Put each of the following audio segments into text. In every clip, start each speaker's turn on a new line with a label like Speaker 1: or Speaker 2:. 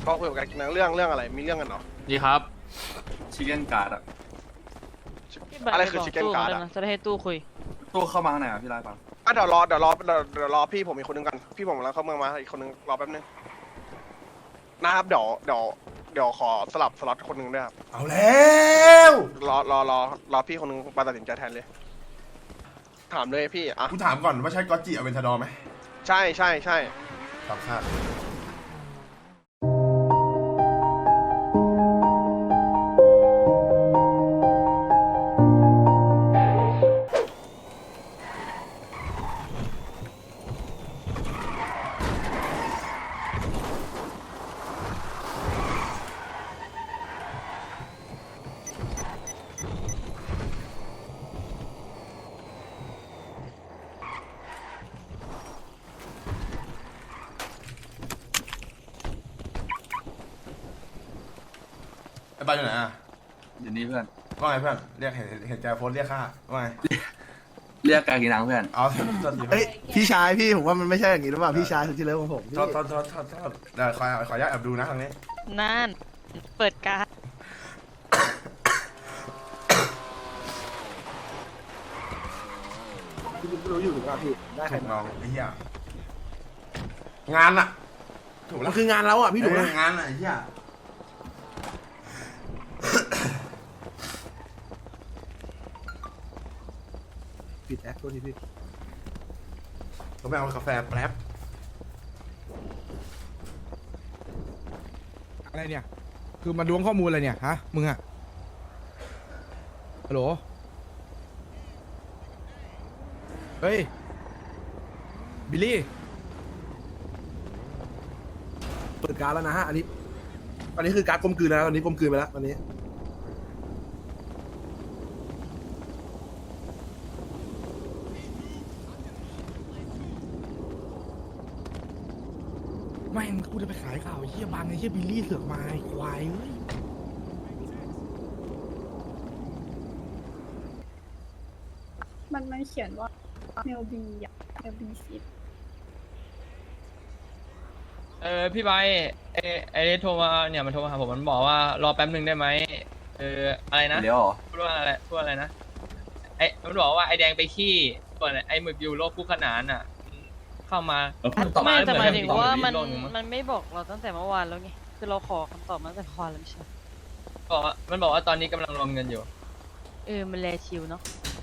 Speaker 1: ก็คุยกับกันเรื่องอะไรมีเรื่องกันเหรอ
Speaker 2: ดีครับ
Speaker 3: ชิคเก้นการ์ดอะ
Speaker 1: อะไรคือชิคเก้นการ์ดอะ
Speaker 4: จะได้ให้ตู้คุย
Speaker 3: ตู้เข้ามาข้างในอ่ะพี่ไล่ฟัง
Speaker 1: เดี๋ยวรอพี่ผมอีกคนนึงกันพี่ผมแล้วเข้าเมืองมาอีกคนนึงรอแป๊บนึงนะครับเดี๋ยวขอสลับสล็อตคนนึงด้วยครับ
Speaker 5: เอาแล้ว
Speaker 1: รอพี่คนนึงมาตัดสินใจแทนเลย ถามเลยพี่อ่ะ
Speaker 5: กูถามก่อนว่าใช่ก็อตจิอเวนทาดอร์ไหม
Speaker 1: ใช่
Speaker 5: ตามคาดไอ้บ้านอยู่ไหนอ่ะ
Speaker 3: อยู่นี่เพื่อน
Speaker 5: ว่าไงเพื่อนเรียกเห็นแกโพสต์เรียกค่าว่าไง
Speaker 3: เรียกการกินน้ำเพื่อน
Speaker 5: เอาโทษที
Speaker 6: เฮ้ยพี่ชายพี่ผมว่ามันไม่ใช่อย่างนี้หรือเปล่าพี่ชายสุดที่เลิฟของผมพี่
Speaker 5: โทษเดี๋ยวขออนุญาตแอบดูนะทางนี้
Speaker 4: นั่น เปิดการด
Speaker 6: พี่รู้อยู่หรือเปล่าพี่ได้ใคร
Speaker 5: ถูก
Speaker 6: มา
Speaker 5: น้องไอ้เหี้ยงานอะถูกแล้
Speaker 6: มั
Speaker 5: วน
Speaker 6: คืองานเราอ่ะพี่ดูนะ
Speaker 5: งานอะไอ้เหี้ย
Speaker 6: ปิดแอคตัวนี้พี่
Speaker 5: ผมไปเอากาแฟแป๊บ
Speaker 7: อะไรเนี่ย คือมาล้วงข้อมูลอะไรเนี่ย ฮะ มึงอะฮัลโหล เฮ้ย บิลลี่
Speaker 6: เปิดการดแล้วนะฮะอันนี้คือการดกลมกลืนแล้วตอนนี้กลมกลืนไปแล้วตอนนี้
Speaker 7: แม่งกูจะไปขายข่าวไอ้เฮียบังไอ้เฮียบิลลี่เสือกมาไอ้ควายเว้ย
Speaker 8: มันเขียนว่าเมลบีอะเมลบีซิต
Speaker 2: พี่ใบไอ้โทรมาเนี่ยมันโทรมาหาผมมันบอกว่ารอแป๊บหนึ่งได้ไหมอะไรนะ
Speaker 3: เดี๋ยวเหรอ
Speaker 2: พูดว่าอะไรนะมันบอกว่าไอ้แดงไปขี้ส่วนไอ้หมึกอยู่โลกคู่ขนานอ่ะเข้ามา
Speaker 4: ไม่แต่หมายถึงว่ามัน
Speaker 2: โลกหง
Speaker 4: มันไม่บอกเราตั้งแต่เมื่อวานแล้วไงคือเราขอคำตอบมาตั้งแต่เมื่อวานแล้วไม่ใช่
Speaker 2: มันบอกว่าตอนนี้กำลังรวมเงินอยู่
Speaker 4: มันแลชิวเนาะ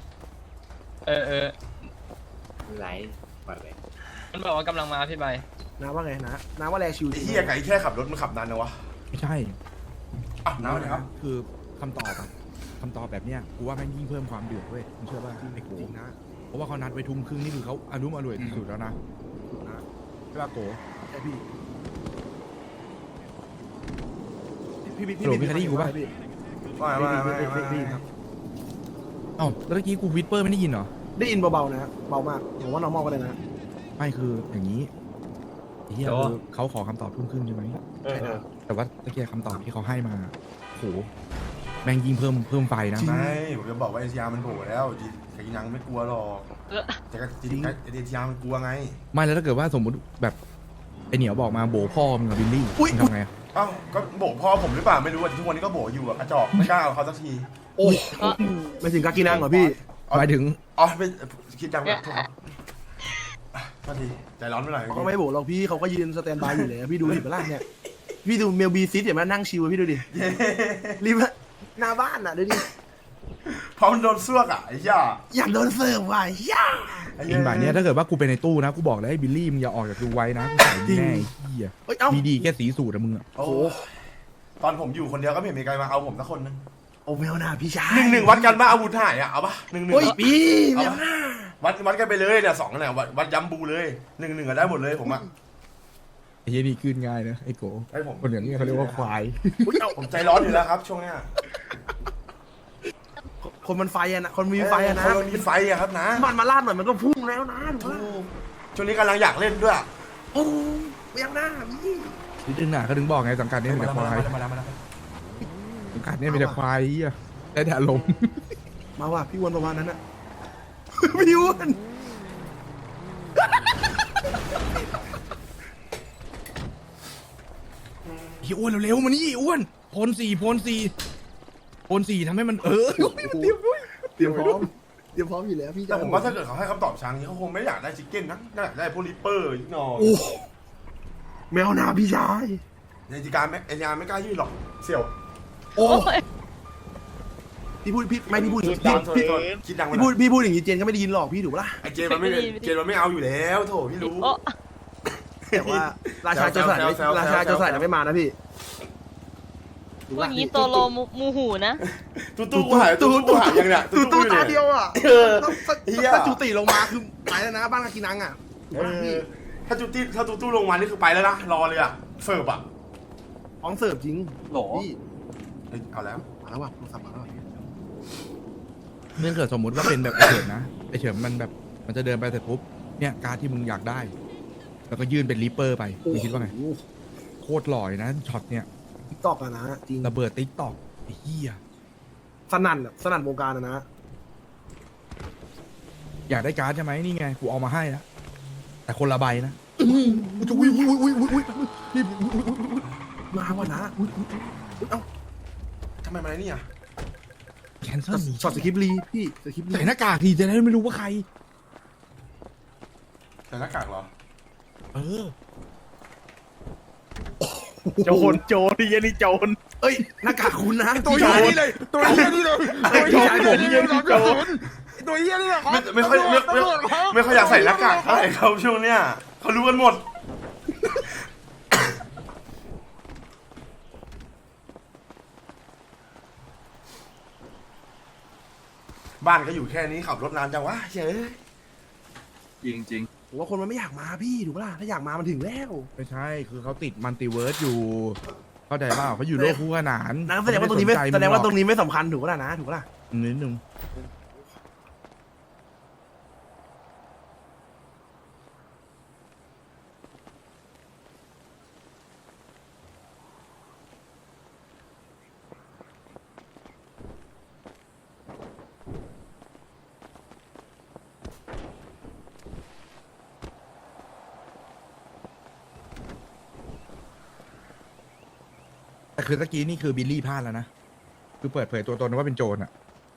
Speaker 9: ไหลปล่อยไป
Speaker 2: มันบอกว่ากำลังมาพี่ใบ
Speaker 6: น้าว่าไงนะน้าว่าแลชิว
Speaker 5: ไอ้เหี้ยไก่แค่ขับรถมันขับนานนะวะ
Speaker 7: ไม่ใช่
Speaker 5: อ่ะน้ำเลยครับ
Speaker 7: คือคำตอบอะคำตอบแบบเนี้ย กูว่าแม่งยิ่งเพิ่มความเดือดเว้ยมึงเชื่อป่ะไอ้โก
Speaker 6: จริงนะ
Speaker 7: เพราะว่าเขานัดไว้ทุ่มครึ่งนี่คือเขาอารมณ์อร่วยที่สุดแล้วนะใช่ป่ะโก
Speaker 6: ใช่พี่พี่
Speaker 7: โหลมีใครได้ยินกูปะ
Speaker 6: พี่
Speaker 5: ว่าไง
Speaker 6: ได้ยินครับ
Speaker 7: เอ้าแล้วเมื่อกี้กูวิสเปอร์ไม่ได้ยินเหรอ
Speaker 6: ได้ยินเบาๆนะเบามากผมว่า normal ก็ได้นะ
Speaker 7: ไม่คืออย่างนี้ไอ้เหี้ยคือเขาขอคำตอบทุ่มครึ่งใช่ไหม
Speaker 6: ใช่ครับ
Speaker 7: แต่ว่าตะเกียคำตอบที่เขาให้มาโหแม่งยิ่งเพิ่มไฟนะ
Speaker 5: ไม่ผมจะบอกว่าเอเชียมันโผล่แล้วไก่ยังไม่กลัวหรอกแต่ก็จริงเอเชียมันกลัวไง
Speaker 7: ไม่แล้วถ้าเกิดว่าสมมุติแบบไอเหนียวบอกมาโบพ่อมึงกับบิลลี่มึงทำไงอะ
Speaker 5: เอ้าก็โบกพ่อผมหรือเปล่าไม่รู้อ่ะทุกวันนี้ก็โบกอยู่อ่ะกระจอกไม่กล้าเอาเขาสักที
Speaker 6: โอ้ไม่ถึงกากินังเหรอพี่
Speaker 7: หมายถึง
Speaker 5: อ๋อไม่คิดดังแบบโทษพอดีใจร้อนไปหน่อย
Speaker 6: เขาไม่โบกหรอกพี่เขาก็ยืนสแตนบายอยู่เลยพี่ดูดิเปล่าเนี่ยพี่ดูเมลบีซิตเดี๋ยวมานั่งชิวพี่ดูดิรีบหน้าบ้านอ่ะดูดิ
Speaker 5: เพราะมันโดนซวกอ่ะไอ้ย่า
Speaker 6: อยากโดนเสิร์ฟว่ะย่า
Speaker 7: จริงแบบเนี้ยถ้าเกิดว่ากูเป็นในตู้นะกูบอกเลยให้บิลลี่มึงอย่าออกจากดูไว้นะกูใส่มึงแน่ไอ้เหี้ย
Speaker 6: เอ้ยเอ้า
Speaker 7: มีดีแค่สีสูตรอะมึงอะ
Speaker 5: โอ้ตอนผมอยู่คนเดียวก็ไม่เห็นมีใครมาเอาผมสักคนนึง
Speaker 6: โอ้แมวหน้าพี่ชาย
Speaker 5: 1-1วัดกันมาอาวุธหายอ่ะเอาปะ1-1
Speaker 6: โอ้ยพี่แมวหน้า
Speaker 5: วัดกันไปเลยเนี่ย2เนี่ยวัดย้ำบูเลย1-1ก็ได้หมดเลยผมอ่ะ
Speaker 7: ไอ้เหี้ยนี่ขึ้นง่ายนะไอ้โก
Speaker 5: ไอ้ผม
Speaker 7: คนอย่างนี้เขาเรียกว่าควาย
Speaker 6: อุ๊ยเอ้า
Speaker 5: ผมใจร้อนอยู่แล้วครับช่วงเนี้ย
Speaker 6: คนมันไฟอะนะคนมีไฟอะนะ
Speaker 5: คนมีไฟอะครับนะ
Speaker 6: มันมาลาดหน่อยมันก็พุ่งแล้วนะถูกปะ
Speaker 5: ช่วงนี้กำลังอยากเล่นด้วย
Speaker 6: โอ้แมวหน้าพี่
Speaker 7: นิดนึงน่ะเขาถึงบอกไงสังกัดเนี้มีแต่ควายสังกัดเนี้มีแต่ควายเหี้ยได้แต่อารมณ์
Speaker 6: มาว่ะพี่อ้วนประมาณนั้นอะพี่อ้วน
Speaker 7: เฮียอ้วนเร็วๆมานี่อ้วนโพนสี่ทำให้มันมันเตรียมด้วย
Speaker 6: เตรียมพร้อมอยู่แล้วพี่
Speaker 5: แต่ผมว่าถ้าเกิดเขาให้คำตอบช้างนี้เขาคงไม่อยากได้ชิคเก้นนะน่าอยากได้พวกริปเปอร์นิดหน่อย
Speaker 6: โอ้แมวนาพี่ชาย
Speaker 5: ในจิการไม่ไอ้ยาไม่กล้ายื่นหรอกเสี่ยว
Speaker 6: โอ้
Speaker 4: โอ้ย
Speaker 6: พี่พูดพี่พูด
Speaker 5: คิดดังคิดดัง
Speaker 6: พี่พูดอย่างนี้เจนก็ไม่ได้ยินหรอกพี่ถูกปะล่ะ
Speaker 5: ไอเจนมันไม่เอาอยู่แล้วโถพี่รู้
Speaker 4: โอ้
Speaker 6: แต่ว่าราชาโจรสลัด
Speaker 5: แซวๆ
Speaker 6: ราชาโจรสลัดยังไม่มานะพี่ถูก
Speaker 4: พูด
Speaker 6: ปะ
Speaker 4: อย่างนี้โตโลมูหูนะ
Speaker 5: ตู้กูหายยังเนี่ย
Speaker 6: ตู้ตาเดียวอ่ะ
Speaker 5: เออเฮีย
Speaker 6: ถ้าจุติลงมาคือไปแล้วนะบ้านกากินังอ่ะถูกปะล่ะพี่
Speaker 5: ถ้าตู้ลงมานี่คือไปแล้วนะรอเลยอ่ะเสิร์ฟอ่ะ
Speaker 6: ของเสิร์ฟจริง
Speaker 3: โหล
Speaker 6: พี่
Speaker 5: เอาแล้ว
Speaker 6: มาแล้วว่ะโทรศัพท์มาแล้วว่ะพี่
Speaker 7: เนื่องเกิดสมมุติว่าเป็นแบบไอเฉิมนะไอเฉิมมันแบบมันจะเดินไปเสร็จปุ๊บเนี่ยการดที่มึงอยากได้ แล้วก็ยื่นเป็นริปเปอร์ไปมึงคิดว่าไงโคตรหล่อยนะช็อตเนี่ย
Speaker 6: ติ๊กตอกอะนะจริง
Speaker 7: ระเบิดติ๊กตอกไอ้เหี้ย
Speaker 6: สนั่นอะสนั่นวงการอะนะ
Speaker 7: อยากได้การ์ดใช่ไหมนี่ไงกูเอามาให้แล้วแต่คนละใบนะ
Speaker 6: อุ้ยนี่มาว่ะนะอุ้ยเอ้า
Speaker 5: ทำไมมาเนี่ย
Speaker 7: แคนเซิล
Speaker 6: ช็อตสคริปต์ลีพี่สคริปต์ลี
Speaker 7: ใส่หน้ากากทีจะได้ไม่รู้ว่าใคร
Speaker 5: ใส่หน้ากากเหรอ
Speaker 7: เออ
Speaker 6: โจรนี่ยันนี่โจรเอ้ยหน้ากากคุณนะ
Speaker 7: ตัวเหี้ยนี่เลยตัวเหี้ยนี่เลย
Speaker 6: พี่ชายผม
Speaker 7: ตัวเหี้ยนี่เลยครับ
Speaker 5: ไม่ค่อยอยากใส่หน้ากากเท่าไหร่เขาช่วงเนี้ยเขารู้กันหมดบ้านก็อยู่แค่นี้ขับรถนานจังวะเฮ้ย
Speaker 3: จริง
Speaker 6: ผมว่าคนมันไม่อยากมาพี่ถูกปะล่ะถ้าอยากมามันถึงแล้ว
Speaker 7: ไม่ใช่คือเขาติดมัลติเวิร์สอยู่เข้าใจเปล่าเขาอยู่โลกคู่ขนาน
Speaker 6: นะแสดงว่าตรงนี้ไม่แสดงว่าตรงนี้ไม่สำคัญถูกปะล่ะนะถูกปะล่ะ
Speaker 7: นิดนึง แต่คือตะกี้นี่คือบิลลี่พลาดแล้วนะ คือเปิดเผยตัวตนว่าเป็นโจรอ่ะ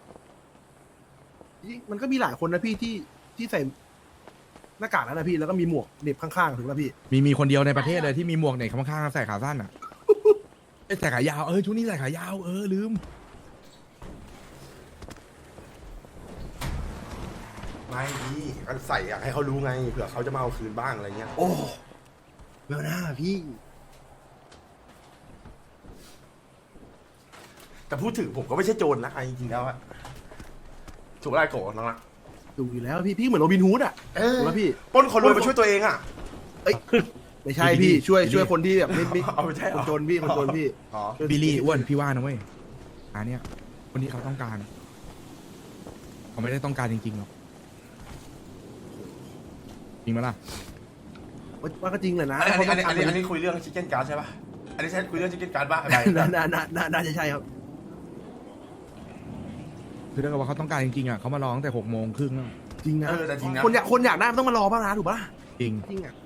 Speaker 6: มันก็มีหลายคนนะพี่ที่ใส่หน้ากากแล้วนะพี่แล้วก็มีหมวกเหน็บข้างๆถูกปะล่ะพี่
Speaker 7: มีคนเดียวในประเทศเลยที่มีหมวกเนี่ยข้างๆใส่ขาสั้นอ่ะ ใส่ขายาวชุดนี้ใส่ขายาวลืม
Speaker 5: ไม่ดีก็ใส่อยากให้เขารู้ไงเผื่อเขาจะมาเอาคืนบ้างอะไรเงี้ย
Speaker 6: โอ้เบลหน้าพี่
Speaker 5: แต่พูดถึงผมก็ไม่ใช่โจรนะจริงๆแล้วอะถูกไล่โกรธน้องละ
Speaker 6: ดูอยู่แล้วพี่เหมือนโรบินฮูดอ่ะถูกปะพี่
Speaker 5: ปล้นคนรวยมาช่วยตัวเองอะ
Speaker 6: ไม่ใช่พี่ช่วยคนที่แบบไม่
Speaker 5: เอาไม่ใช่เหร
Speaker 6: ค
Speaker 5: อน
Speaker 6: จนพี่คนจนพี่
Speaker 5: อ๋อ
Speaker 7: บิลลี่อ้วนพี่ว่านะเว้ยอันเนี้ยคนที่เขาต้องการเขาไม่ได้ต้องการจริงๆหรอกจริงไหมล่ะ
Speaker 6: ว่าก็จริงเลยนะ
Speaker 5: อันนี้คุยเรื่องชิคเก้นการ์ดใช่ปะอันนี้ใช่คุยเรื่องชิคเก้นการ์ดป่ะอะไร
Speaker 6: น่าจะใช่ครับ
Speaker 7: คือถ้าเกิดว่าเขาต้องการจริงๆอ่ะเขามาร้องแต่6:30แล้ว
Speaker 6: จริงนะ
Speaker 5: แต่จริงนะ
Speaker 6: คนอยากได้มันต้องมารอบ้างนะถูกปะ
Speaker 7: จริง
Speaker 6: จริงอ่ะ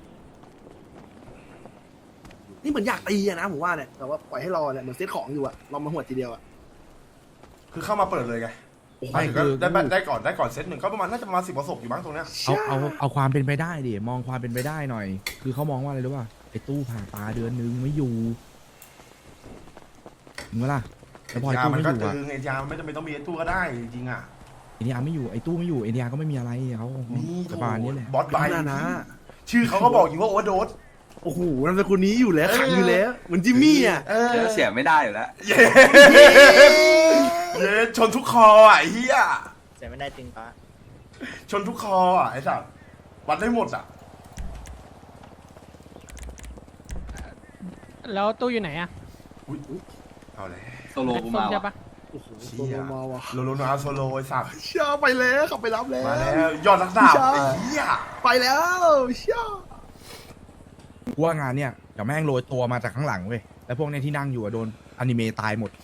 Speaker 6: นี่เหมือนอยากตีอะนะผมว่าเนี่ยแต่ว่าปล่อยให้รอเนี่ยเหมือนเซตของอยู่อะรอมาหัวทีเดียวอะ
Speaker 5: คือเข้ามาเปิดเลยไง
Speaker 7: ไม่คือ
Speaker 5: ได้ก่อนเซตหนึ่งก็ประมาณน่าจะประมาณ10 ประสบอยู่บ้างตรงเนี้ย
Speaker 7: เอาความเป็นไปได้ดิมองความเป็นไปได้หน่อย คือเขามองว่าอะไรรู้ป่ะไอ้ตู้ผ่าตาเดือนนึงไม่อยู่มึงว่าล่ะแล้วพอไอ้
Speaker 5: ยา
Speaker 7: ตู้
Speaker 5: มัน
Speaker 7: ไม่อ
Speaker 5: ก็
Speaker 7: ยู่
Speaker 5: ตึ
Speaker 7: อ่ะ
Speaker 5: งไอ้ยาไม่จำเป็นต้องมีไอ้ตู้ก็ได้จริงๆอะ
Speaker 7: ไอ้นี่ไม่อยู่ไอ้ตู้ไม่อยู่ไอ้นี่ก็ไม่มีอะไรเขา
Speaker 5: นี่
Speaker 7: สบายนี่แหละ
Speaker 5: บอสไบ
Speaker 6: นะ
Speaker 5: ชื่อเขาก็บอกอยู่ว่าโอเวอร์โดส
Speaker 6: โอ้โหนามสกุลนี้อยู่แล้วขังอยู่แล้วเหมือนจิมมี่อะ
Speaker 3: ๆเสียไม่ได้อยู่แล้ว
Speaker 5: เย้ชนทุกคออ่ะไอ้เหี้ย
Speaker 9: เสียไม่ได้จริงปะ
Speaker 5: ชนทุกคออ่ะไอ้สัสวัดได้หมดอ่ะ
Speaker 4: แล้วตู้อยู่ไหนอะ
Speaker 5: อุ้ยเอาเลย
Speaker 3: โซโลกูมา
Speaker 4: ใช่
Speaker 3: ว่ะ
Speaker 4: ปะ
Speaker 6: โอ้โห
Speaker 5: เชี่ย
Speaker 6: มาว่ะ
Speaker 5: โลโลนาโซโลไอ้สัส
Speaker 6: เชี่ยไปแล้วขับไปรับแล้ว
Speaker 5: มาแล้วยอดนักดาบ
Speaker 6: ใช่
Speaker 5: ไอ้เหี้ย
Speaker 6: ไปแล้วเชี่ย
Speaker 7: กูว่างานเนี่ยเดี๋ยวแม่งโรยตัวมาจากข้างหลังเว้ยแล้วพวกเนี้ยที่นั่งอยู่อะโดนอนิเมะตายหมด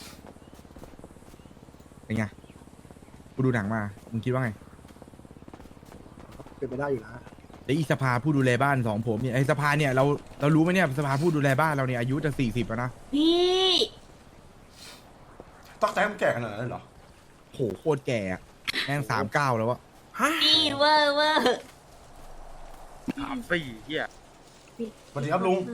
Speaker 7: เป็นไงกูดูหนังมามึงคิดว่าไง
Speaker 6: เป็นไปได้อยู่นะ
Speaker 7: แล้วอีสภาผู้ดูแลบ้าน2ผมเนี่ยไอสภาเนี่ยเรารู้ไหมเนี่ยสภาผู้ดูแลบ้านเราเนี่ยอายุจะ40แล้วนะ
Speaker 8: พี่
Speaker 5: ต้องแต่มันแก่ขนาดนั้นเลยเหรอ
Speaker 7: โหโคตรแก่อะแม่ง39แล้วอะ
Speaker 8: พี่เวอร์เวอร์
Speaker 9: 3-4เหี้ย
Speaker 5: สวัสดีครับลุง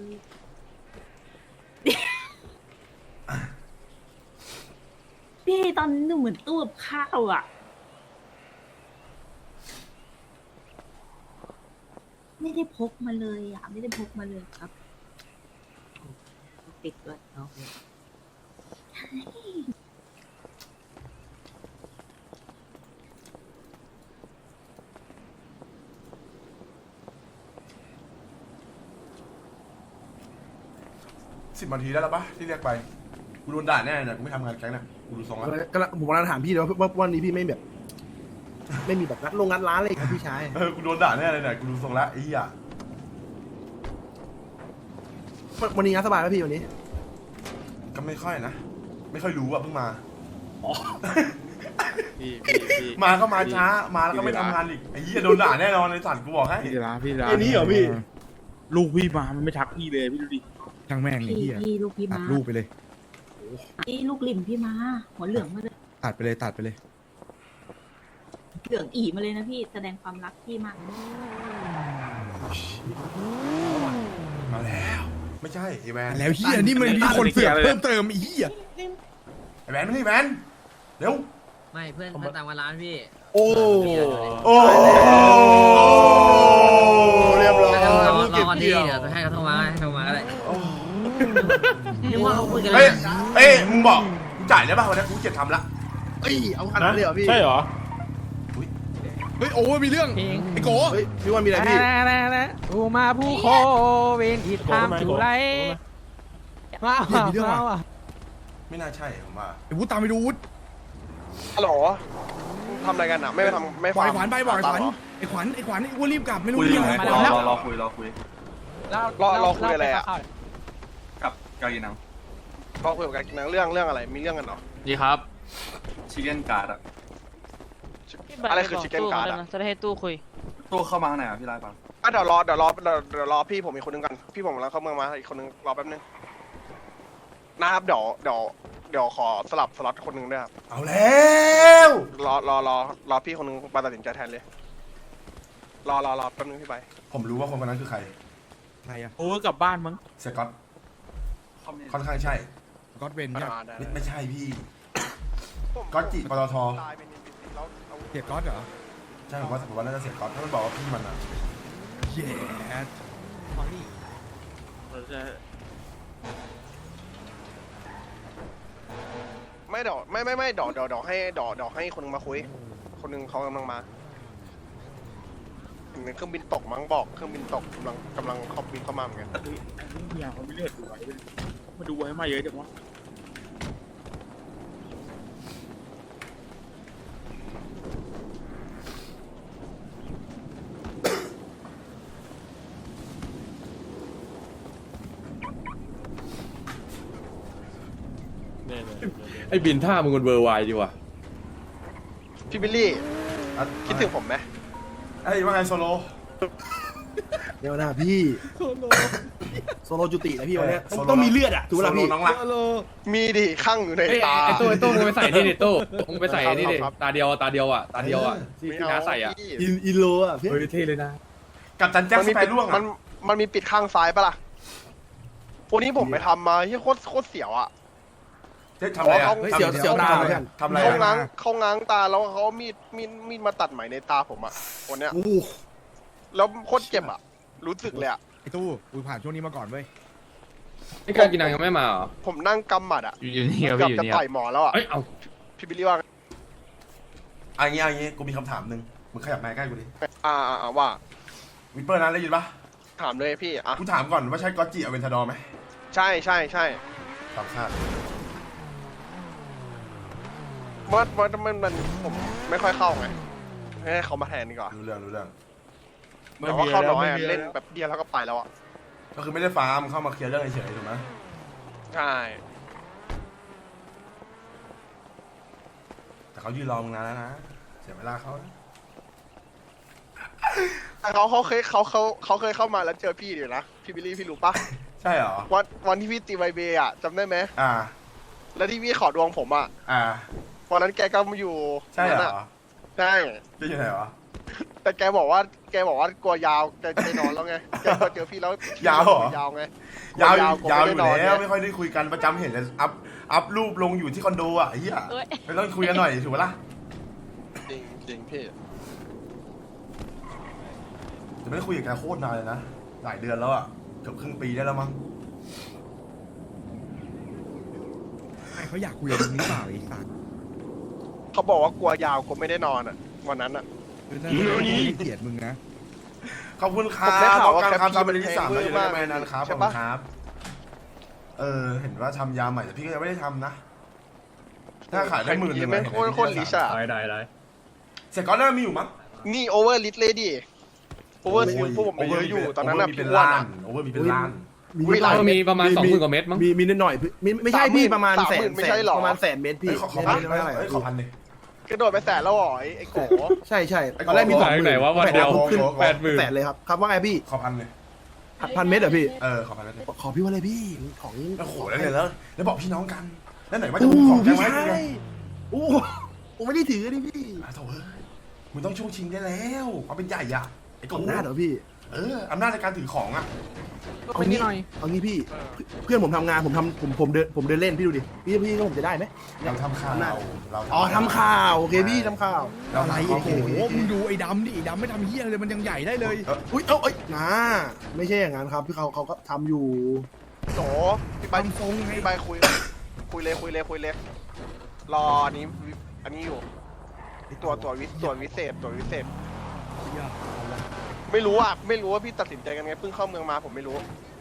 Speaker 8: พี่ตอนนี้หนูเหมือนตู้กับข้าวอ่ะ ไม่ได้พกมาเลยอ่ะ ไม่ได้พกมาเลยครับ ติดด้วยเนาะ
Speaker 5: 10 นาทีได้แล้วปะที่เรียกไปกูโดนด่าแน่เนี่ยกูไม่ทำงานแก๊งเนี่ยกูดูทรงแล้ว
Speaker 6: ผมกำลังถามพี่เลยว่าวันนี้พี่ไม่แบบ ไม่มีแบบงัดร้านเลยครับพี่ชาย
Speaker 5: กูโดนด่าแน่เลยเนี่ยกูดูทรงแล้วไอ้เหี้ย
Speaker 6: วันนี้งานสบายไหมพี่วันนี้
Speaker 5: ก็ไม่ค่อยนะ ไม่ค่อยรู้อ่ะเพิ่งมา
Speaker 9: พี่
Speaker 5: มาก็มาช้ามาแล้วก็ไม่ทำงานอีกไอ้เหี้ยโดนด่าแน่นอนในสัตว์กูบอกให้
Speaker 9: พี่ร้าน
Speaker 6: อันนี้เหรอพี่
Speaker 9: ลูกพี่มามันไม่ทักพี่เลยพี่ดูดิ
Speaker 7: ช่างแม่งไอ้
Speaker 8: พี่
Speaker 7: เหี้ย
Speaker 8: พี่ลูกพี่
Speaker 7: ตั
Speaker 8: มา
Speaker 7: ดรูปไปเลย
Speaker 8: พี่ลูกหลิมพี่มา หัวเหลืองมาเลย
Speaker 7: ตัดไปเลยตัดไปเลย
Speaker 8: เหลืองอีมาเลยนะพี่ แสดงความรักพี่มาก
Speaker 5: มาแล้ว ไม่ใช่ไอ้แวน
Speaker 7: แล้วเหี้ยนี่มันมีคนเสือกเพิ่มเติมไอ้เหี้ย
Speaker 5: ไอ้แวนไม่ใช่แวนเร็ว
Speaker 10: ไม่เพื่อนตามมาร้านพี่
Speaker 6: โอ้
Speaker 5: โอ้
Speaker 6: เรียบร้อย
Speaker 10: รอก่อนดีเดี๋ยวให้เขาโทรมาก็ได้นึกว่าเขาคุยกัน
Speaker 5: เฮ้ยเอ้ยมึงบอกกูจ่ายได้ป่ะวันนี้กูเจ็ดทำละ
Speaker 6: เอ้ยเอาขนาดนั้นเลยเหรอพี่
Speaker 9: ใช่เหรอ
Speaker 7: เฮ้ยโอ้มีเรื่องไอ้โก
Speaker 6: เฮ้ยพี่วันมีอะไรพี่
Speaker 4: กูมาผู้โคเวนที่ทางจุไรมา
Speaker 7: เฮ้ยมีเรื่องว่ะ
Speaker 5: ไม่น่าใช่ผมว่า
Speaker 7: ไอ้วุฒิตามไปดูวุฒิ
Speaker 1: ฮัลโหลทำอะไรกันอ่ะไม่ไปทำไม่
Speaker 7: บอก
Speaker 1: ฟัง
Speaker 7: ไอ้ขวัญไปบอกไอ้ขวัญ
Speaker 1: เหรอ
Speaker 7: ไอ้ขวัญไอ้อ้วนรีบกลับไม่รู้
Speaker 3: คุย
Speaker 7: เรื่อง
Speaker 3: ไหม
Speaker 7: อะไร
Speaker 3: รอคุย
Speaker 1: รอคุยอะไรอ่ะ
Speaker 3: กับกากินัง
Speaker 1: รอคุยกับกันเรื่องอะไรมีเรื่องกันเหรอ
Speaker 9: ดีครับ
Speaker 3: ชิคเก้นการ์ดอะ
Speaker 1: อะไรคือ chicken card อะ
Speaker 4: จะได้ให้ตู้คุย
Speaker 3: ตู้เข้ามาข้างในอ่ะพี่ไล่ฟัง
Speaker 1: อ่ะเดี๋ยวรอพี่ผมอีกคนนึงกันพี่ผมกำลังเข้าเมืองมาอีกคนนึงรอแป๊บนึงนะครับเดี๋ยวขอสลับสล็อตคนนึงด้วยครับ
Speaker 5: เอาแล้ว
Speaker 1: รอพี่คนนึงมาตัดสินใจแทนเลยรอแป๊บนึงพี่ไป
Speaker 5: ผมรู้ว่าคนคนนั้นคือใคร
Speaker 7: ใครอะ
Speaker 9: โอ้กลับบ้านมั้ง
Speaker 5: เซก๊อตค่อนข้างใช่
Speaker 7: ก็อตเวนเนี่ย
Speaker 5: ไม่ใช่พี่ ก๊อตจิปตท
Speaker 1: ตายเป็น NPC แล้วเอา
Speaker 7: เสียก๊อตเหรอ
Speaker 5: ใช่ผมว่าน่าจะเสียก๊อตถ้ามันบอกว่าพี่มันอะ
Speaker 7: เย้
Speaker 1: ไม่เดี๋ยวไม่เดี๋ยวให้คนนึงมาคุย คนนึงเขากำลังมาเห็นเครื่องบินตกมั้งบอกเครื่องบินตกกำลังเขาบินเข้ามาเหมือนกัน
Speaker 9: อย่างเขาไม่เลือดดูไว้มาดูไว้มาเยอะจังวะ
Speaker 11: ไอ้บินท่ามึงมันเวอร์ไวดีว่ะ
Speaker 1: พี่บิลลี่
Speaker 5: อ่ะ
Speaker 1: คิดถึงผมไหม
Speaker 5: ไอ้ยว่าไงโซโล
Speaker 6: เดี๋ยวนะพี่โซโลจุตินะพี่วันเนี้ย
Speaker 5: โซโล
Speaker 6: ต้องมีเลือดอ่ะถูกไหม
Speaker 5: โซ
Speaker 6: ล่ะ
Speaker 5: โล
Speaker 6: พี่
Speaker 5: น้องรัก
Speaker 1: มีดิข้างอยู่ใน
Speaker 11: ไอ้
Speaker 1: ตา
Speaker 11: ไอ้ตู้มึงไปใส่นี่ดิตู้มึงไปใส่นี่ดิ
Speaker 1: ครับ
Speaker 11: ตาเดียวอ่ะที่
Speaker 1: ไม่
Speaker 11: พี่
Speaker 1: เอา
Speaker 11: น้าใส่อ่ะ
Speaker 1: พี่
Speaker 6: อินโลอ่ะพี่
Speaker 11: เฮ้ยเท่เลยนะ
Speaker 5: กับจันแจ็ค
Speaker 1: มัน
Speaker 5: ส
Speaker 1: มี
Speaker 5: ไป
Speaker 1: ปิด
Speaker 5: ร่วง
Speaker 1: มั
Speaker 5: อะ
Speaker 1: นมันมีปิดข้างซ้ายปะล่ะวันนี้ผมไปทำมาที่โคตรเสียวอ่ะ
Speaker 5: เจ๊ทำอะไรอะ
Speaker 6: เฮ้ยเสียวตาเหมือนกัน
Speaker 5: ทำอะไร
Speaker 1: เขา
Speaker 5: อะ
Speaker 1: ง้างตาแล้วเขาเอามีดมาตัดไหมในตาผมอ่ะวันเนี้ย
Speaker 6: โอ้โห
Speaker 1: แล้วโคตรเจ็บอ่ะรู้สึกเลยอ่ะ
Speaker 7: ไอ้ตู้กูผ่านช่วงนี้มาก่อนเว้ย
Speaker 11: ไอ้การกินนังยังไม่มาเหรอ
Speaker 1: ผมนั่งกำหมัดอ่ะ
Speaker 9: อยู่นี่ครับ
Speaker 1: เกือบ
Speaker 9: อยู่
Speaker 1: จะ
Speaker 9: นี่
Speaker 1: ต่อยหมอแล้วอ่ะ
Speaker 11: เอ้ยเอา
Speaker 1: พี่บิลลี่ว่าไง
Speaker 5: อันนี้กูมีคำถามหนึ่งมึงขยับมาใกล้กูดิ
Speaker 1: ว่า
Speaker 5: วิปเปอร์นะได้ยินปะ
Speaker 1: ถามเลยพี่อ่ะ
Speaker 5: กูถามก่อนว่าใช่ก๊อตจิอเวนทาดอร์ไหม
Speaker 1: ใช่
Speaker 5: ตามคาด
Speaker 1: มันผมไม่ค่อยเข้าไงให้เขามาแทนดีกว่า
Speaker 5: รู้เรื่อง
Speaker 1: แต่ว่าเข้าน้อยอะเล่นแบบเดียวแล้วก็ไปแล้วอ่ะ
Speaker 5: ก็คือไม่ได้ฟาร์มเข้ามาเคลียร์เรื่องเฉยๆถูกไหม
Speaker 1: ใช่
Speaker 5: แต่เขายืนรอมึงนานแล้วนะเสียเวลาเขานะ
Speaker 1: แต่เขาเคยเข้ามาแล้วเจอพี่อยู่นะพี่บิลลี่พี่รู้ปะ
Speaker 5: ใช่เหรอ
Speaker 1: วันที่พี่ตีไวเบย์อ่ะจำได้ไหม
Speaker 5: อ่า
Speaker 1: แล้วที่พี่ขอดวงผมอ่ะ
Speaker 5: อ่า
Speaker 1: วันนั้นแกก็มาอยู่
Speaker 5: ใช่เหร
Speaker 1: นั่น
Speaker 5: อ
Speaker 1: อะใช่
Speaker 5: จะอยู่ไหนวะ
Speaker 1: แต่แกบอกว่ากลัวยาวแกไปนอนแล้วไงแกพอเจอพี่แล้ว
Speaker 5: ยาวเหรอ
Speaker 1: ยาวไง
Speaker 5: ยาว
Speaker 1: กลั
Speaker 5: ยาว
Speaker 1: ไม่
Speaker 5: อ
Speaker 1: ได้
Speaker 5: ยู่
Speaker 1: นน
Speaker 5: แล้ว
Speaker 1: ไง
Speaker 5: ไม่ค่อยได้คุยกันประจำเห็นแต่อัพรูปลงอยู่ที่คอนโดอ่ะไอ้เหี้ยไม่ต้องคุยกันหน่อยถูกปะล่ะ
Speaker 1: จริงจริงพี่
Speaker 5: จะไม่ได้คุยกับแกโคตรนานเลยนะหลายเดือนแล้วอ่ะเกือบครึ่งปีได้แล้วมั้ง
Speaker 7: ไม่เขาอยากคุยกับมึงหรือเปล่าไอ้สัตว์
Speaker 1: เขาบอกว่ากลัวยาวกลัวไม่ได้นอนอ่ะวันนั้นอ่ะ
Speaker 7: คือน่าจะไม่เกลียดมึงนะ
Speaker 5: ขอบคุณครั
Speaker 1: ผมได้
Speaker 5: บ
Speaker 1: ข่าวว่า
Speaker 5: การ
Speaker 1: แคป
Speaker 5: ทำเป็นที่สาม
Speaker 1: แพ
Speaker 5: แล้ว
Speaker 1: ง
Speaker 5: อยู่
Speaker 1: เวอร์
Speaker 5: ใน
Speaker 1: มาก
Speaker 5: แมนนั้นครับข
Speaker 1: ใช่
Speaker 5: อบคุ
Speaker 1: ปะ
Speaker 5: ณครับเห็นว่าทำยาใหม่แต่พี่ก็ยังไม่ได้ทำนะ ถ้าขายได้10,000
Speaker 1: แม่งโคตรลิชอ่ะ
Speaker 9: ได้
Speaker 5: เสร็จก่อนหน้ามีอยู่มั้ง
Speaker 1: นี่โอเวอร์ลิชเลยดิโอเวอร์ซิลพวกผมไปเยอะอยู่ตอนนั้นน่ะ
Speaker 5: มีเป็น
Speaker 1: พี่อ้วน
Speaker 5: ล้า
Speaker 1: อะ
Speaker 5: นโอเวอร์มีเป็นล้าน
Speaker 1: อุ๊ยหลาย
Speaker 11: มีประมาณ20,000กว่าเม็ดมั้ง
Speaker 6: มีนิดหน่อยไม่ใช่พี่ประมาณ
Speaker 1: 30,000
Speaker 6: แสน
Speaker 1: ไม่ใช่หรอ
Speaker 6: ประมาณแสนเมตรพี่
Speaker 5: เฮ้ยขอพัน
Speaker 6: ไม่เท่าไหร่
Speaker 5: เฮ้ยขอพันดิ
Speaker 1: กระโดดไปแสนแล้วเหรอไอ้โก
Speaker 6: ใช่ใช่
Speaker 5: ไอ้
Speaker 6: ตอนแรกมี
Speaker 5: ขอ
Speaker 6: 20,000
Speaker 11: ไหนวะวันเดียว
Speaker 6: ขึ้น
Speaker 11: 80,000
Speaker 6: แสนเลยครับครับว่าไงพี่
Speaker 5: ขอพันเลย
Speaker 6: พันเมตรเหรอพี่
Speaker 5: ขอพันเลย
Speaker 6: ขอพี่ว่าเลยพี่ของ
Speaker 5: โอ้โหแล้วเนี่ยแล้วบอกพี่น้องกัน แล้วไหนว่าจะมีของแก
Speaker 6: พี่
Speaker 5: ไว้
Speaker 6: ชา
Speaker 5: ไง
Speaker 6: ยโอ้ผมไม่ได้ถือนี่พี่
Speaker 5: โถ่เฮ้ยมึงต้องช่วงชิงได้แล้วความเป็นใหญ่อะไอ้โก
Speaker 6: อำนาจเหรอพี่
Speaker 5: อำนาจในการถือของอะ
Speaker 6: เอางี้เอางี้พี่เพื่อนผมทำงานผมเดินเล่นพี่ดูดิพี่ก็ผมจะได้ไหม
Speaker 5: เราทำข่าวเรา
Speaker 6: อ๋อทำข่าวโอเคพี่ทำข่าว
Speaker 5: เรา
Speaker 7: อะไร
Speaker 5: ทำ
Speaker 7: โอ้โห
Speaker 5: ข้อมูล
Speaker 7: มึงดูไอ้ดำดิไอ้ดำไม่ทำเฮี้ยเลยมันยังใหญ่ได้เลย
Speaker 6: อุ้ยเอ้ยนะไม่ใช่อย่างนั้นครับพี่เขาก็ทำอยู่
Speaker 1: โจพี่ใบ
Speaker 7: ทำทรงไง
Speaker 1: พี่ใบคุยเลยรออันนี้อยู่ตัววิเศษไม่รู้ว่าพี่ตัดสินใจกันไงเพิ่งเข้าเมืองมาผมไม่รู้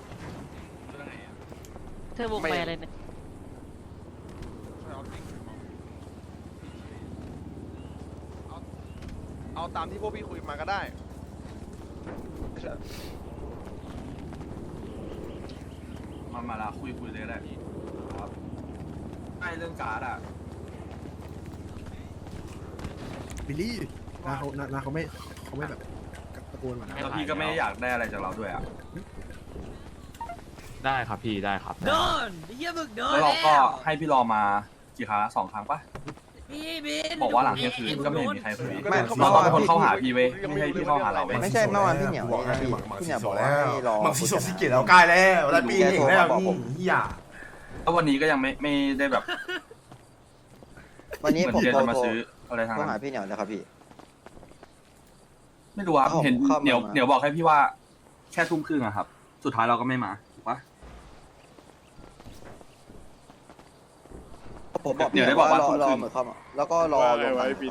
Speaker 10: เธอวงไปอะไรเนี่ย
Speaker 1: เอาตามที่พวกพี่คุยมาก็ได้
Speaker 3: มาละคุยเลยก็ได้ครับไอ้เรื่องการ์ดอ่ะ
Speaker 7: บิลลี่
Speaker 6: นาเขาไม่แบบตะโกนมานะ
Speaker 3: แล้วพี่ก็ไม่ได้อยากได้อะไรจากเราด้วยอ่ะ
Speaker 9: ได้ครับพี่ได้ครับ
Speaker 10: โดนเฮียมึกโดน
Speaker 3: แล้วเราก็ให้พี่รอมากี่ครั้งละ2 ครั้งปะ
Speaker 10: พี่บิน
Speaker 3: บอกว่าหลังเที่ยงคืนก็ไม่เห็นมีใครคุย
Speaker 1: ไม่
Speaker 3: เราต้องเป็นคนเข้าหาพี่เว้ยไม่ใช่พี่เข้าหาเราเว้ย
Speaker 5: ไม่ใช่เมื่อวานพี่เหนียวบอกให้มังสีโซแล้วมังสีโซสิเกตแล้วใกล้แล้วแล้วปีนี้แล้วนี่เฮีย
Speaker 3: แล้ววันนี้ก็ยังไม่ได้แบบ
Speaker 12: วันนี้
Speaker 3: เหมือน
Speaker 12: ผม
Speaker 3: เดี๋ยว
Speaker 12: โทร
Speaker 3: จะมาซื้ออะไรทาง
Speaker 12: โทร
Speaker 3: นั้
Speaker 12: หาน พี่เหนียวนะครับพี่
Speaker 3: ไม่รู้อ่ะ
Speaker 12: เข้า
Speaker 3: เห็น
Speaker 12: เข้ามา
Speaker 3: เหนียวบอกให้พี่ว่าแค่ทุ่มครึ่งอะครับ สุดท้ายเราก็ไม่มาถูกปะ
Speaker 12: ผมบอก
Speaker 3: เดี๋ยวได้
Speaker 12: พี่
Speaker 3: บอกว่า
Speaker 12: รอ
Speaker 3: ทุ่มครึ่ง
Speaker 12: เหมือนเข้ามาแล้วก็รอลงมาครับพี่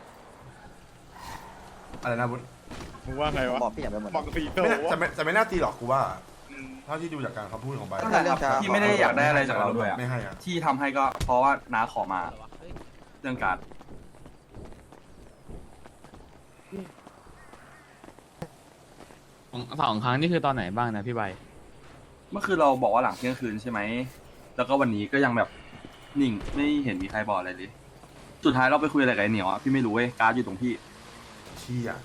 Speaker 5: อะไรนะบุญ
Speaker 9: มึงว่าไง
Speaker 12: ผม
Speaker 9: วะ
Speaker 12: บอกพี่เหนียวไปหมด
Speaker 9: บังสีโต
Speaker 5: จะไม่น่าตีหรอกกูว่าเท่าที่ดูจากการคำพูดของใบ
Speaker 12: ตั้งแต่เรื่องช้า
Speaker 3: พี่ไม่ได้อยากได้อะไรจากเราด้วยอะ
Speaker 5: ไม่ให้อะ
Speaker 3: ที่ทำให้ก็เพราะว่าน้าขอมาเรื่องการ์ด
Speaker 9: 2 ครั้งนี่คือตอนไหนบ้างนะพี่ใบ
Speaker 3: เมื่อคืนเราบอกว่าหลังเที่ยงคืนใช่ไหมแล้วก็วันนี้ก็ยังแบบนิ่งไม่เห็นมีใครบอกอะไรเลย สุดท้ายเราไปคุยอะไรกับไอ้เหนียวอะพี่ไม่รู้เว้ยการ์ดอยู่ตรงพี่
Speaker 5: เชี่ย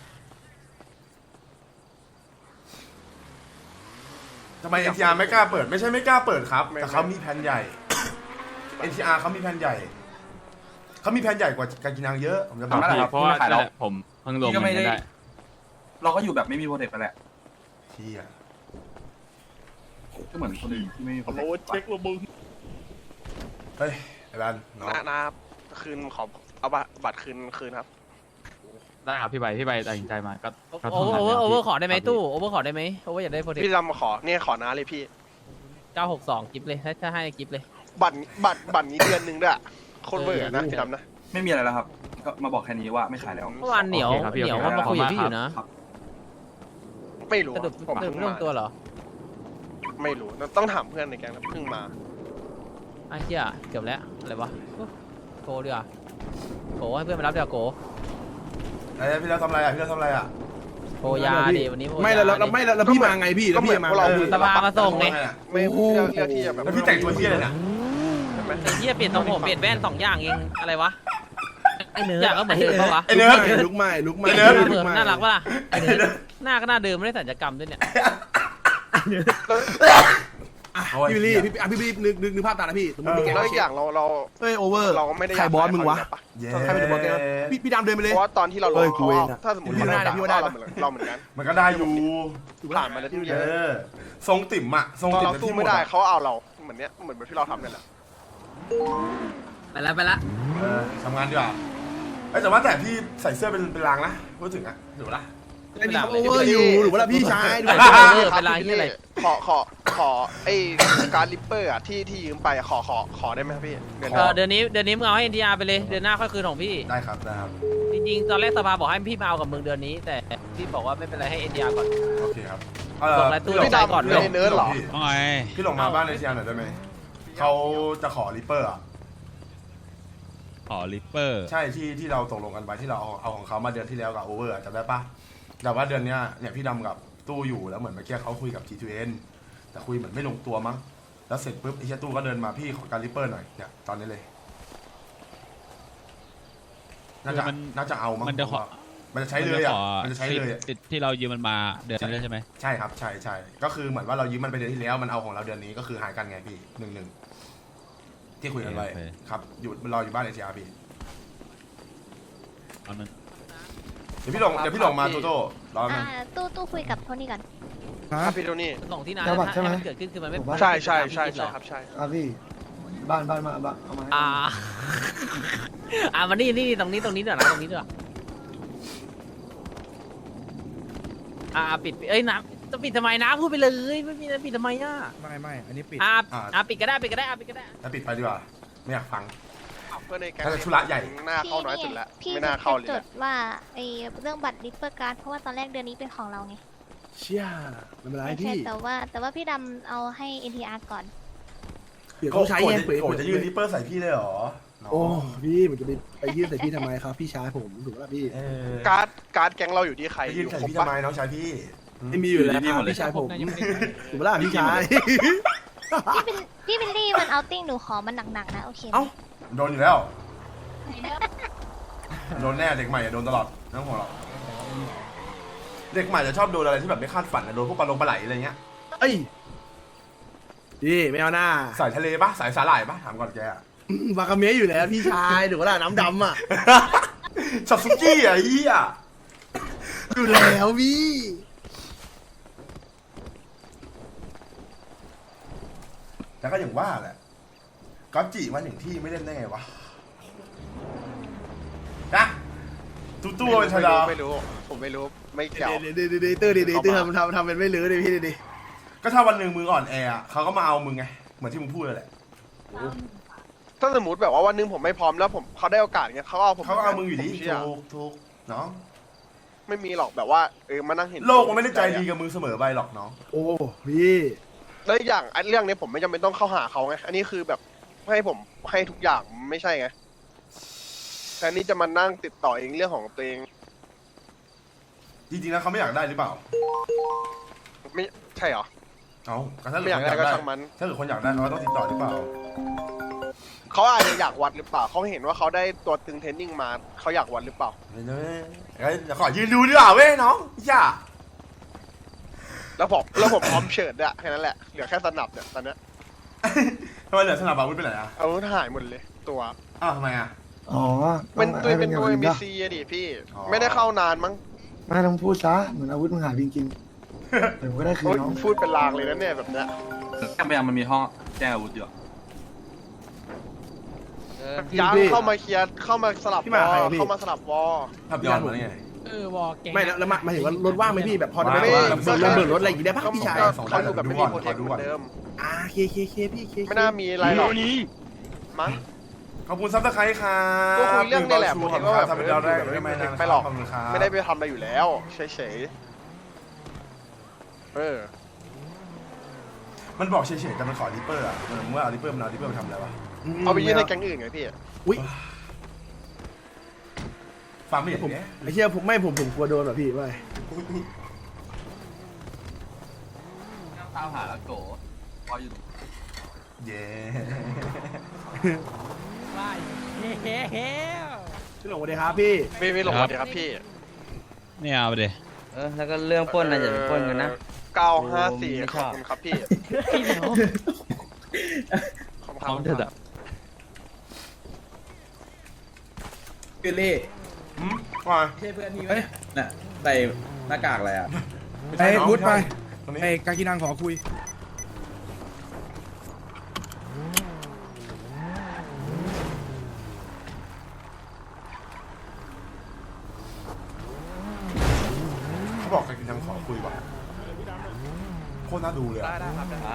Speaker 5: ทำไม NTR ไม่กล้าเปิดไม่ใช่ไม่กล้าเปิดครับแต่เขามีแผนใหญ่ NTR เขามีแผนใหญ่เขามีแผนใหญ่กว่าการกินนางเยอะผมจะบอก
Speaker 3: ทำไมล่ะครับ
Speaker 9: เพราะว่า
Speaker 3: ไม่ขายแล้ว
Speaker 9: ผมเพิ่งลง
Speaker 3: พี่ก็ไม่ได้
Speaker 9: ได้
Speaker 3: เราก็อยู่แบบไม่มีโปรเทคไปแหละ
Speaker 5: เชี่ย
Speaker 3: ก็เหมือนคนอื่นที่ไม่มีโปรเทค
Speaker 9: เช็คระบึง
Speaker 5: เฮ้ยไอ้บ้านน้อง
Speaker 1: นะครับคืนขอเอาบัตรคืนครับ
Speaker 9: ได้ครับพี่ใบตัดสินใจมาก็
Speaker 4: โอเวอร์ขอได้ไหมตู้โอเวอร์ขอได้ไหมโอเวอร์อยากได้โปรเทค
Speaker 1: พี่ดำขอเนี่ยขอน้าเลยพี่
Speaker 4: 962กิฟเลยถ้าให้กิฟเลย
Speaker 1: บัตรนี้เดือนหนึ่งด้วยโคตรเบื่อนะพี่ดำนะ
Speaker 3: ไม่มีอะไรแล้วครับ ก็มาบอกแค่นี้ว่าไม่ขายแล้ว
Speaker 4: เมื่อวานเหนียวเขามาคุยกับพี่อยู่นะ
Speaker 1: ไม่รู้
Speaker 4: สรุป
Speaker 1: ผมเพิ่ง
Speaker 4: เรื่อง
Speaker 1: มา
Speaker 4: ตัวเหรอ
Speaker 1: ไม่รู้ต้องถามเพื่อนในแก๊งนะเพิ่งมา
Speaker 4: ไอ้เหี้ยเกือบแล้วอะไรวะโกดีกว่าโกให้เพื่อนมารับเดี๋ยวโก
Speaker 5: ไอ้พี่เราทำอะไรอ่ะพี่เราทำอะไรอ่ะ
Speaker 4: โกยาดิวันนี้โกยา
Speaker 6: ไม่แล้วพี่มาไงพี่แล้วพี่มา
Speaker 4: สภามาส่งไง
Speaker 1: ไม่เลือกที่จะแบบ
Speaker 5: แล้วพี่แต่งตัวเที่ยเลยนะ
Speaker 4: ไอ้เหี้ยเปลี่ยนทรงผมเปลี่ยนแว่น2 อย่างเองอะไรวะ
Speaker 10: ไอ้เนื้อก็เหมือนเดิมปะวะ
Speaker 5: ไอ้เนิร์ด
Speaker 6: ลุกใหม่ลุกใหม่
Speaker 5: ไอ้เนิร์ด
Speaker 6: ลุกใหม่
Speaker 10: น่ารักปะล่ะไอ้เนื้อหน้าก็หน้าเดิมไม่ได้สัญญกรรมด้วยเนี่ย
Speaker 6: อ่ะพี่บิลลี่พี่บิลลี่นึกภาพตามนะพี่สมมติมีแก๊ง
Speaker 1: แล้วอีกอย่างเรา
Speaker 6: เฮ้ยโอเวอร์
Speaker 1: เราก็ไม่ได้
Speaker 6: ใครบอสมึงวะ
Speaker 5: เย้
Speaker 6: ใครเป็นบอสแกงพี่ดำเดินไปเลย
Speaker 1: เพราะว่าตอนที่เราล
Speaker 6: เอ้
Speaker 1: ง
Speaker 6: ยกู
Speaker 1: เขา
Speaker 6: เอง
Speaker 1: เอา
Speaker 6: อะ
Speaker 1: ถ้าสมมติ
Speaker 6: พี่ว่าได้
Speaker 1: เรา
Speaker 6: พี่ว่าได้
Speaker 1: เราเหมือนกัน
Speaker 5: มันก็ได้อยู่
Speaker 1: ผ่านมาแล้วที่เย
Speaker 5: เอ
Speaker 1: อะ
Speaker 5: อทรงติ่มอะทรง
Speaker 1: ตอน
Speaker 5: ติ่ม
Speaker 1: เรา
Speaker 5: เป็น
Speaker 1: สู้
Speaker 5: ที่หม
Speaker 1: ไม่
Speaker 5: ด
Speaker 1: ได้
Speaker 5: อะ
Speaker 1: เขาเอาเราเหมือนแบบที่เราทำเนี่ยแหละ
Speaker 10: ไปละ
Speaker 5: เออทำงานดีกว่าเอ้ยแต่ว่าแต่พี่ใส่เสื้อเป็นลางนะพูดถึงอะดูละ
Speaker 6: ไอ้นี่เขาโอเวอร์อยู่หรือว่าพี่ชายดู
Speaker 10: เออเป็นไรที่อะไร
Speaker 1: ขอไอ้การลิปเปอร์อะที่ยืมไปอะขอได้ไหมครับพี่เดือนห
Speaker 10: เอ
Speaker 1: น้า
Speaker 10: อเดือนนี้มึงเอาให้ NTR ไปเลยเดือนหน้าค่อยคืนของพี่
Speaker 5: ได้ครับได้ครับ
Speaker 10: จริงๆตอนแรกสภาบอกให้พี่มาเอากับมึงเดือนนี้ แต่พี่บอกว่าไม่เป็นไรให้ NTR ก่อน
Speaker 5: โอเคครับ
Speaker 10: ส่งรายตู้
Speaker 1: พี่
Speaker 10: ใจ
Speaker 1: ดำ
Speaker 10: ก่อน
Speaker 1: ไม่ได้เนิร์ดเหรอ
Speaker 5: พี่ลงมาบ้านในเชียงหน่อยได้ไหมเขาจะขอริปเปอร์อะ
Speaker 9: ขอลิปเปอร์
Speaker 5: ใช่ที่เราตกลงกันไปที่เราเอาของเขามาเดือนที่แล้วกับโอเวอร์จำได้ปะแต่ว่าเดือนเนี้ยเนี่ยพี่ดำกับตู้อยู่แล้วเหมือนเมื่อกี้เขาคุยกับ G2N แต่คุยเหมือนไม่ลงตัวมั้งแล้วเสร็จปุ๊บไอ้เชี่ยตู้ก็เดินมาพี่ขอการริปเปอร์หน่อยเนี่ยตอนนี้เลยน่าจะเอามั้ง
Speaker 9: มันจะขอ
Speaker 5: มันจะใช้เลยอ่ะมันจะใช้เลยอะ
Speaker 9: ที่เรายืมมันมาเดือนนี้ใช่ไหม
Speaker 5: ใช่ครับใช่ก็คือเหมือนว่าเรายืมมันไปเดือนที่แล้วมันเอาของเราเดือนนี้ก็คือหายกันไงพี่1-1ที่คุยกันไว้ครับอยู่รออยู่บ้านATRพี่
Speaker 9: เอานั้น
Speaker 5: เดี๋ยวพี่ลงมาโตโต้รอมัน
Speaker 8: ตู้คุยกับโทนี่ก่อน
Speaker 1: ครับพี่โทนี่
Speaker 10: ส่งที่นาน
Speaker 12: จังหวัดใช่ไหม
Speaker 10: มันเกิดขึ้นคือมันไม่
Speaker 1: ใช่ครับใช่
Speaker 12: อ่ะพี่ บ้านมาเอามาให้
Speaker 10: มานี่ตรงนี้ด้วยนะตรงนี้ด้วยปิดเอ้ยน้ำจะปิดทำไมน้ำพูดไปเลยไม่มีปิดทำไมอ่ะ
Speaker 7: ไม่อันนี้ปิด
Speaker 10: ปิดก็ได้ปิดก็ได้
Speaker 5: แล้วปิดไปดีกว่าไม่อยากฟัง
Speaker 1: เพื่อนในแก๊ง
Speaker 5: ถ้าจะธุระใหญ่
Speaker 1: หน้าเข้าน้อยสุดแล้ว
Speaker 8: พี่
Speaker 1: ไม่น่าเข้าเลย
Speaker 8: จดว่าไอ้เรื่องบัตรริปเปอร์การ์ดเพราะว่าตอนแรกเดือนนี้เป็นของเราไง
Speaker 6: เชี่ยไม่เป็นไร
Speaker 8: ไม่ใช่
Speaker 6: พี่
Speaker 8: แต่ว่าพี่ดำเอาให้ NTR ก่อน
Speaker 6: เดี๋ยวเขาใช้ไงเปิด
Speaker 5: โอ้จะยืนริปเปอร์ใส่พี่เลยเหรอ
Speaker 6: โอ้พี่มันจะไปยื่นใส่พี่ทำไมครับพี่ชายผมถูกป่ะพี่
Speaker 1: การ์ดแก๊งเราอยู่ที่ใคร
Speaker 5: ไปยืนใส่
Speaker 1: ครบ
Speaker 5: พี่
Speaker 1: ปะ
Speaker 5: ทำไมน้องชายพี่
Speaker 6: ไม่มีอยู่แล้วครับพี่ชายผมถูกป่ะพี่ชาย
Speaker 8: พี่บิลลี่มันเอาติ้งหนูขอมันหนักๆนะโอเคไหม
Speaker 5: เอ้าโดนอยู่แล้วโดนแน่เด็กใหม่โดนตลอดน้องหัวเราเด็กใหม่จะชอบโดนอะไรที่แบบไม่คาดฝันโดนพวกปลาลงปลาไหลอะไรเงี้ย
Speaker 6: เอ้ยพี่ไม่เอาหน้า
Speaker 5: สายทะเลปะสายสาหร่ายปะถามก่อนแก
Speaker 6: วากาเมะอยู่แล้วพี่ชายถูกป่ะน้ำดำอ่ะ
Speaker 5: ซาซุกี้อ่ะเฮีย
Speaker 6: อยู่แล้วพี่
Speaker 5: แล้วก็อย่างว่าแหละก๊อตจิมาถึงที่ไม่เล่นได้ไงวะนะตู้เป็นธรรมดา
Speaker 1: ไม่รู้ผมไม่รู้ไม่เกี่ยว
Speaker 6: เดี๋ยวตื้อทำเป็นไม่ลื้อเลยพี่ดิ
Speaker 5: ก็ถ้าวันหนึ่งมึงอ่อนแออะเขาก็มาเอามึงไงเหมือนที่มึงพูดเลยแหละ
Speaker 1: ถ้าสมมติแบบว่าวันหนึงผมไม่พร้อมแล้วเขาได้โอกาสเงี้ยเขาเอาผม
Speaker 5: เขาก็เอามึงอยู่ดี
Speaker 1: ผมเชื่
Speaker 5: ถูกเนาะ
Speaker 1: ไม่มีหรอกแบบว่ามานั่งเห็น
Speaker 5: โลกมันไม่ได้ใจดีกับมึงเสมอไปหรอกเนาะ
Speaker 6: โอ้พี่
Speaker 1: แล้วอีกอย่างเรื่องนี้ผมไม่จำเป็นต้องเข้าหาเขาไงอันนี้คือแบบให้ผมให้ทุกอย่างไม่ใช่ไงแต่นี่จะมานั่งติดต่อเองเรื่องของตัวเอง
Speaker 5: จริงๆแล้วเขาไม่อยากได้หรือเปล่า
Speaker 1: ไม่ใช่เหรอ
Speaker 5: เอาถ้า
Speaker 1: ไม่
Speaker 5: เกิ
Speaker 1: อ
Speaker 5: ด
Speaker 1: ยาก
Speaker 5: คนอยาก
Speaker 1: ได้ก็
Speaker 5: ได้
Speaker 1: ช่างมัน
Speaker 5: ถ้าเกิดคนอยากได้เขาก็ต้องติดต่อหรือเปล่า
Speaker 1: เขาอาจจะอยากวัดหรือเปล่าเขาเห็นว่าเขาได้ตัวตึงเทรนนิ่งมาเขาอยากวัดหรือเปล่า
Speaker 5: ไม่ได้เดี๋ยวขอยืนดูดีกว่าเว้ยน้องย่า
Speaker 1: แล้วผมพร้อมเฉิดอะแค่นั้นแหละเหลือแค่สนับเนี่ยตอนเนี้ย
Speaker 5: ทำไมเหลือสนามบาวุธไปไหนอ่ะ
Speaker 1: อาวุธหายหมดเลยตัว
Speaker 5: อ้าวทำไมอ่ะ
Speaker 12: อ๋อ
Speaker 1: เป็นตัว
Speaker 12: ให้
Speaker 1: เป็นตัว
Speaker 12: อย่าง
Speaker 1: มี
Speaker 12: อื่น
Speaker 1: ซีอะดิพี่
Speaker 5: อ๋อ
Speaker 1: ไม่ได้เข้านานมั้ง
Speaker 12: ไม่ต้องพูดซะเหมือนอาวุธมึงหายจริงๆเดี๋ยวก็ได้คืน
Speaker 1: โอ๊ย
Speaker 12: น้อง
Speaker 1: พูดเป็นลางเลยนะเนี่ยแบบเนี้ย
Speaker 3: พยายามมันมีห้องแจ้งอาวุธอยู่
Speaker 1: ย้างเข้ามาเคลียร์เข้ามาสลับ
Speaker 6: พี่
Speaker 1: ว
Speaker 6: มา
Speaker 1: อ
Speaker 6: ใครอะพี่
Speaker 1: เข้ามาสลับวอ
Speaker 5: ทับย้อนมาได้ไง
Speaker 10: วอลเก่ง
Speaker 6: ไม่แล้วมาถึงว่ารถว่างไหมพี่แบบพอจะ
Speaker 5: ไม่
Speaker 6: ไม่เบิกรถอะไรอย่างงี้ได้ป่ะ
Speaker 1: ก็
Speaker 6: พี่ชาย
Speaker 1: เขาดูแบบไม่มีโปรเทคเหมือนเดิม
Speaker 6: เคพี่เค
Speaker 1: ไม่น่ามีอะไรหรอกมั้ง
Speaker 5: ขอบคุณซับสไครต์ครับ
Speaker 1: ก็คุยเรื่องนี่แหละ
Speaker 5: ชู
Speaker 1: ผม
Speaker 5: ขอบ
Speaker 1: เห็น
Speaker 5: คุณ
Speaker 1: ว่า
Speaker 5: ค
Speaker 1: แบ
Speaker 5: รับบ ทำเป็นดาวแรกไม่ไม่นาน
Speaker 1: ไม่หรอก
Speaker 5: ขอบคุณครับ
Speaker 1: ไม่ได้ไปทำอะไรอยู่แล้วเฉยๆ
Speaker 5: มันบอกเฉยๆแต่มันขอริปเปอร์อ่ะมึงว่าเอาริปเปอร์มันเอาริปเปอร์ไปทำอะไรวะ
Speaker 1: เอาไปยื่นให้แก๊งอื่นไงพี่
Speaker 6: อุ้ย
Speaker 5: ฟังไม่เห็น
Speaker 6: ผม
Speaker 5: เนี่ย
Speaker 6: ไอ้เชี่ยผมกลัวโดนแบบพี่ไม่
Speaker 3: ตามหาแล้วโกพออยู่
Speaker 5: เย้
Speaker 10: ว้ายเฮ้
Speaker 6: พี่หลงสวัสดีครับพี่
Speaker 1: ไม่หลงสวัสดีครับพี่
Speaker 2: เนี่ยเอาไปดิ
Speaker 10: แล้วก็เรื่องปล้นนะอย่าปล้นกันนะ
Speaker 1: 954ขอบคุณครับพี่
Speaker 10: พี่เหนียว
Speaker 1: ขอบคุณครับ
Speaker 11: คือเล่
Speaker 5: ว่า
Speaker 11: ใช่เพื่อนพี่ไหมน่ะใส่หน้ากากอะไรอ่ะ
Speaker 7: ไอ้พุทธไป
Speaker 5: ตรงนี้
Speaker 7: ไอ้กากินังขอคุย
Speaker 5: เขาบอกกันยังขอคุยว่ะโคตรน่าดูเลยอะ
Speaker 10: ได้ครับ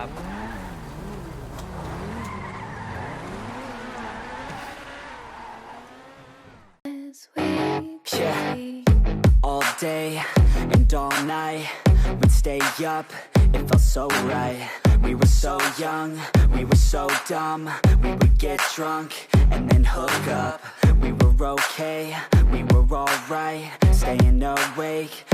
Speaker 13: All day and all night, we'd stay up, it felt so right. We were so young, we were so dumb. We would get drunk and then hook up. We were okay, we were alright, staying awake